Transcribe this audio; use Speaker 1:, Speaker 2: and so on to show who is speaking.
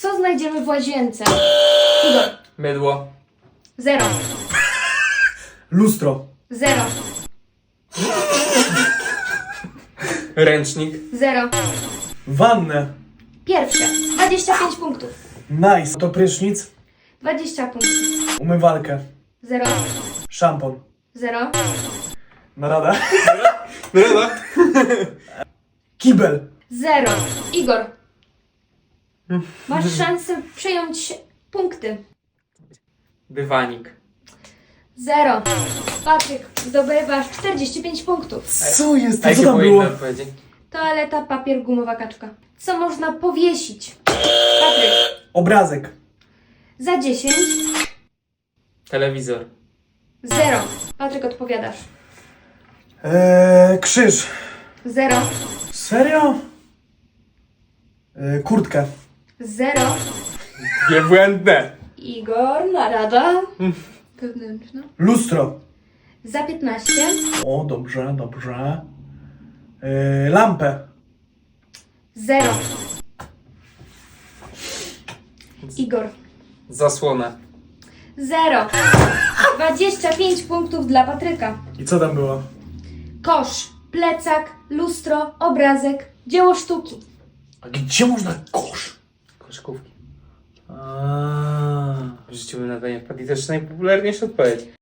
Speaker 1: Co znajdziemy w łazience? Igor.
Speaker 2: Mydło.
Speaker 1: 0.
Speaker 3: Lustro.
Speaker 1: 0.
Speaker 2: Ręcznik.
Speaker 1: 0.
Speaker 3: Wannę.
Speaker 1: Pierwsze. 25 punktów.
Speaker 3: Nice. To prysznic.
Speaker 1: 20 punktów.
Speaker 3: Umywalkę.
Speaker 1: 0.
Speaker 3: Szampon.
Speaker 1: 0.
Speaker 3: Narada.
Speaker 2: Mydło.
Speaker 3: Kibel.
Speaker 1: 0. Igor. Masz szansę przejąć punkty.
Speaker 2: Dywanik.
Speaker 1: 0. Patryk, zdobywasz 45 punktów.
Speaker 3: Co jest?
Speaker 2: A
Speaker 3: To co
Speaker 2: jakie
Speaker 3: tam
Speaker 2: były
Speaker 3: było?
Speaker 2: inne odpowiedzi?
Speaker 1: Toaleta, papier, gumowa kaczka. Co można powiesić? Patryk.
Speaker 3: Obrazek.
Speaker 1: Za 10.
Speaker 2: Telewizor.
Speaker 1: 0. Patryk, odpowiadasz.
Speaker 3: Krzyż.
Speaker 1: 0.
Speaker 3: Serio? Kurtkę.
Speaker 1: 0.
Speaker 2: Niebłędne.
Speaker 1: Igor, narada. Wewnętrzna.
Speaker 3: Lustro.
Speaker 1: Za 15.
Speaker 3: O, dobrze, dobrze. Lampę.
Speaker 1: 0. Igor.
Speaker 2: Zasłona.
Speaker 1: 0. 25 punktów dla Patryka.
Speaker 3: I co tam było?
Speaker 1: Kosz, plecak, lustro, obrazek, dzieło sztuki.
Speaker 3: A gdzie można kosz?
Speaker 2: Koszykówki.
Speaker 3: A.
Speaker 2: W życiu bym na to nie wpadł i to jest najpopularniejsza odpowiedź.